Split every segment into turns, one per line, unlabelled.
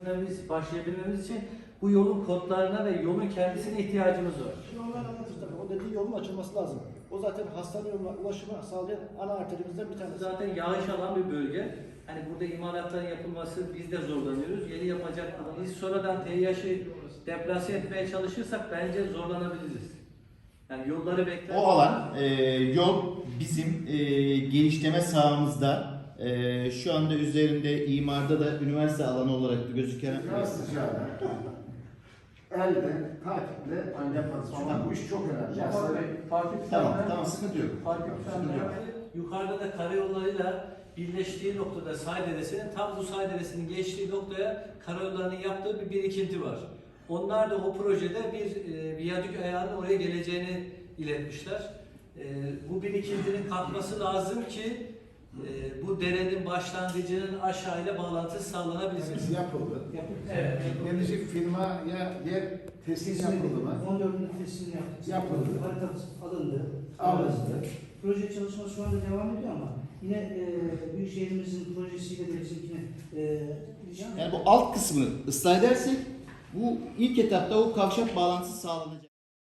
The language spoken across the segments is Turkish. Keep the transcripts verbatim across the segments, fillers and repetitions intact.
Biz başlayabilmemiz için bu yolun kodlarına ve yolun kendisine ihtiyacımız var.
Şimdi onlar anlatır tabii. O dediği yolun açılması lazım. O zaten hastane yoluna ulaşımı sağlayan ana arterimizden bir tanesi.
Zaten yağış alan bir bölge. Hani burada imalatların yapılması biz de zorlanıyoruz. Yeni yapacak biz sonradan T Y H'ı deplase etmeye çalışırsak bence zorlanabiliriz. Yani yolları bekler.
O alan e, yol bizim e, genişleme sahamızda. Ee, şu anda üzerinde imarda da üniversite alanı olarak da gözüken
Biraz sıcağına, elde, takiple yaparız. Çünkü bu iş çok önemli. Yani
Fatih
tamam tamam sıkıntı yok.
Fatih yukarıda da karayollarıyla birleştiği noktada Say Deresi'nin tam bu Say Deresi'nin geçtiği noktaya karayollarının yaptığı bir birikinti var. Onlar da o projede bir e, viyadük ayağının oraya geleceğini iletmişler. E, bu birikintinin kalkması lazım ki e, bu derenin başlangıcının aşağıyla bağlantısı sağlanabilsin.
hepsi yapıldı.
Evet.
Gelecek firmaya yer teslim yapıldı mı?
on dördünde teslim yaptık.
Yapıldı.
Haritası alındı.
Alındı.
Proje çalışması şu anda devam ediyor ama yine e, Büyükşehirimizin projesiyle de bizimkine e,
Yani bu alt kısmını ıslah edersek bu ilk etapta o kavşak bağlantısı sağlanacak.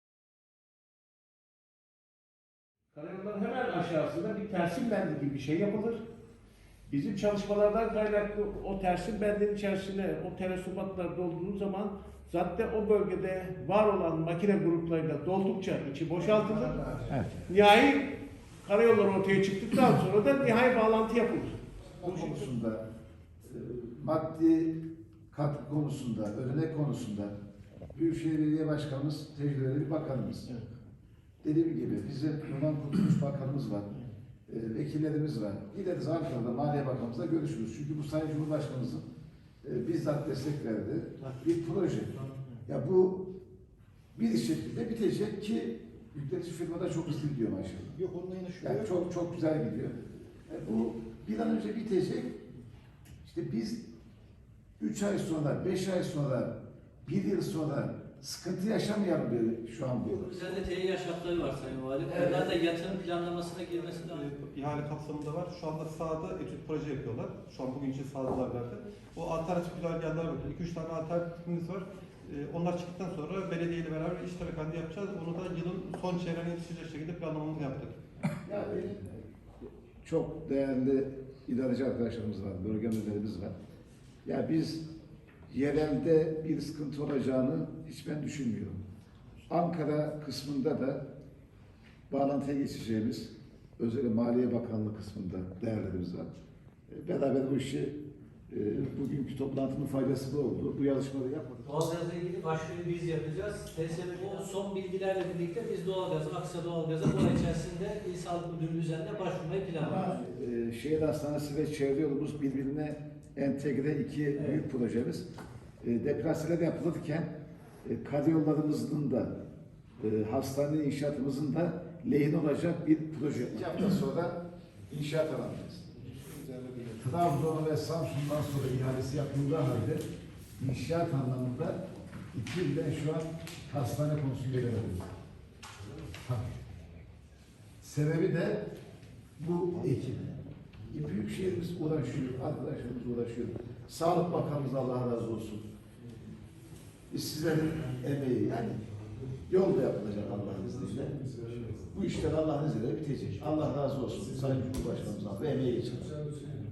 Karayolların hemen aşağısında bir tersim bendi gibi bir şey yapılır. Bizim çalışmalardan kaynaklı o tersim bendin içerisine o terasubatlar dolduğu zaman zaten o bölgede var olan makine gruplarıyla doldukça içi boşaltılır.
Evet.
Nihai karayolları ortaya çıktıktan sonra da nihai bağlantı yapılır.
Bu konusunda, e, maddi katkı konusunda, ödenek konusunda Büyükşehir Belediye Başkanımız tecrübeli bir bakanımız.
Evet.
Dediğim gibi bizim Yunan Kurtuluş Bakanımız var, e, vekillerimiz var. Gideriz Ankara'da Maliye Bakanımızla görüşürüz. Çünkü bu Sayın Cumhurbaşkanımızın e, bizzat destek verdiği bir proje. Ya bu bir şekilde bitecek ki yükletici firmada çok hızlı gidiyor maşallah.
yok onunla yine şu
Yani çok çok güzel gidiyor. E, bu bir an önce bitecek. İşte biz üç ay sonra, beş ay sonra, bir yıl sonra sıkıntı yaşamayalım diye şu an bu.
Üzerinde T Y H şartları var Sayın Valim.
Evet.
Onlar da yatırım planlamasına girmesi lazım.
e, ihale kapsamında var. Şu anda sahada etüt proje yapıyorlar. Şu an bugün için sahadalar zaten. O alternatif güzergahlar var. iki üç tane alternatifimiz var. E, onlar çıktıktan sonra belediyeyle beraber iş tarakanda yapacağız. Onu da yılın son çeyreğine yetişecek şekilde planlamamızı yaptık.
Yani çok değerli idareci arkadaşlarımız var, bölge müdürlerimiz var. Ya biz yerelde bir sıkıntı olacağını hiç ben düşünmüyorum. Ankara kısmında da bağlantıya geçeceğimiz, özellikle Maliye Bakanlığı kısmında değerlerimiz var. E, Beraber bu işi, e, bugünkü toplantının faydası da oldu. Bu yazışmaları yapmadık.
Doğalgazla ilgili başvuruyu biz yapacağız. T S B o son bilgilerle birlikte biz doğalgaz, Aksa Doğalgaz'a bu ay içerisinde İl Sağlık Müdürlüğü üzerinde başvurmayı planlıyoruz.
Ama e, şehir hastanesi ve çevre yolumuz birbirine entegre iki
Evet.
büyük projemiz. E, deplaseler yapılırken e, karayollarımızın da e, hastane inşaatımızın da lehine olacak bir proje. İki hafta sonra inşaat alacağız. Trabzon ve Samsun'dan sonra ihalesi yapıldığı halde inşaat anlamında iki yıldan şu an hastane konusunda ilerliyoruz. Sebebi de bu ekip. Büyükşehirimiz uğraşıyor, arkadaşlarımız uğraşıyor. Sağlık Bakanımız Allah razı olsun. Biz sizlerin emeği yani yol da yapılacak Allah'ın izniyle. Bu işler Allah'ın izniyle bitecek. Allah razı olsun. Sayın Cumhurbaşkanımızdan ve emeği için.